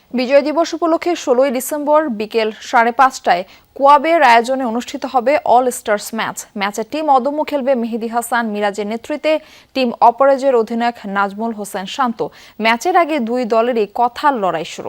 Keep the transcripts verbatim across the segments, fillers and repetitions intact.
বিজয় দিবস উপলক্ষে ষোলোই ডিসেম্বর বিকেল সাড়ে পাঁচটায় কোয়াবের আয়োজনে অনুষ্ঠিত হবে অল স্টার্স ম্যাচ। ম্যাচে টিম অদম্য খেলবে মেহেদী হাসান মিরাজের নেতৃত্বে। টিম অপরাজের অধিনায়ক নাজমুল হোসেন শান্ত। ম্যাচের আগে দুই দলেরই কথার লড়াই শুরু।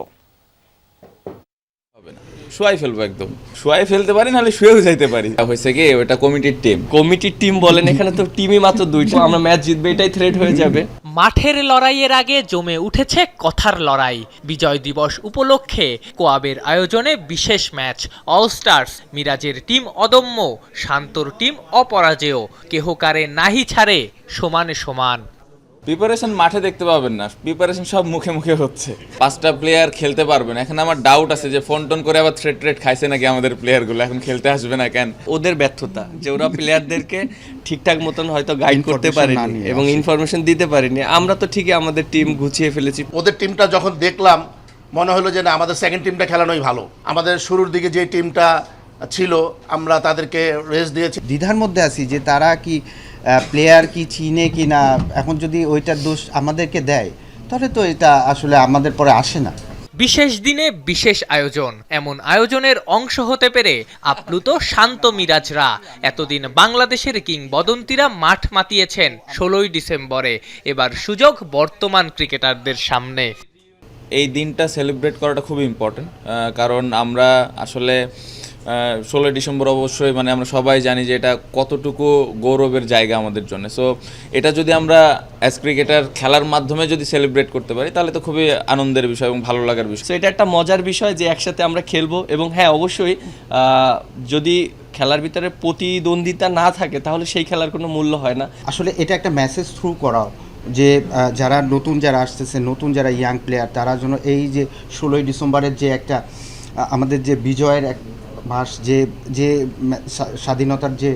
শুয়াই ফেলবো, একদম শুয়াই ফেলতে পারি, নাহলে শুয়েও যাইতে পারি। হয়েছে কি, ওটা কমিটির টিম কমিটির টিম বলেন, এখানে তো টিমই মাত্র দুইটা, আমরা ম্যাচ জিতবে এটাই থ্রেট হয়ে যাবে। মাঠের লড়াইয়ের আগে জমে উঠেছে কথার লড়াই। বিজয় দিবস উপলক্ষে কোয়াবের আয়োজনে বিশেষ ম্যাচ। অল স্টার্স, মিরাজের টিম অদম্য, শান্তর টিম অপরাজেয়। কেহ কারে নাহি ছাড়ে, সমানে সমান। প্রিপারেশন মাঠে দেখতে পাবেন না, প্রিপারেশন সব মুখে মুখে হচ্ছে। পাঁচটা প্লেয়ার খেলতে পারবে না। এখন আমার ডাউট আছে যে ফোন টোন করে আবার থ্রেড ট্রেড খাইছে নাকি আমাদের প্লেয়ারগুলো, এখন খেলতে আসবে না কেন। ওদের ব্যর্থতা যে ওরা প্লেয়ারদেরকে ঠিকঠাক মতন হয়তো গাইড করতে পারেনি এবং ইনফরমেশন দিতে পারেনি। আমরা তো ঠিকই আমাদের টিম গুছিয়ে ফেলেছি। ওদের টিমটা যখন দেখলাম মনে হলো যে না, আমাদের সেকেন্ড টিমটা খেলানোই ভালো। আমাদের শুরুর দিকে যে টিমটা ছিল আমরা তাদেরকে রেস্ট দিয়েছি। দ্বিধার মধ্যে আছি যে তারা কি প্লেয়ার কি চিনে কি না। এখন যদি ওইটার দোষ আমাদেরকে দেয় তাহলে তো এটা আসলে আমাদের পরে আসে না। বিশেষ দিনে বিশেষ আয়োজন, এমন আয়োজনের অংশ হতে পেরে আপ্লুত শান্ত মিরাজরা। এতদিন বাংলাদেশের কিংবদন্তিরা মাঠ মাতিয়েছেন ষোলোই ডিসেম্বরে। এবার সুযোগ বর্তমান ক্রিকেটারদের সামনে। এই দিনটা সেলিব্রেট করাটা খুব ইম্পর্টেন্ট, কারণ আমরা আসলে ষোলোই ডিসেম্বর অবশ্যই মানে আমরা সবাই জানি যে এটা কতটুকু গৌরবের জায়গা আমাদের জন্য। সো এটা যদি আমরা অ্যাজ ক্রিকেটার খেলার মাধ্যমে যদি সেলিব্রেট করতে পারি তাহলে তো খুবই আনন্দের বিষয় এবং ভালো লাগার বিষয়। সো এটা একটা মজার বিষয় যে একসাথে আমরা খেলবো এবং হ্যাঁ অবশ্যই যদি খেলার ভিতরে প্রতিদ্বন্দ্বিতা না থাকে তাহলে সেই খেলার কোনো মূল্য হয় না। আসলে এটা একটা মেসেজ থ্রু করা যে যারা নতুন যারা আসতেছে, নতুন যারা ইয়াং প্লেয়ার, তারা যেন এই যে ষোলোই ডিসেম্বরের যে একটা আমাদের যে বিজয়ের এক মাস, যে যে স্বাধীনতার যে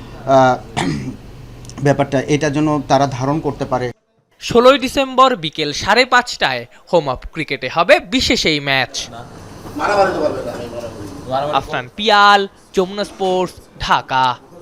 ব্যাপারটা, এটা যেন তারা ধারণ করতে পারে। ষোলোই ডিসেম্বর বিকেল সাড়ে পাঁচটায় হোম অফ ক্রিকেটে হবে বিশেষ এই ম্যাচ। আফনান পিয়াল, যমুনা স্পোর্টস, ঢাকা।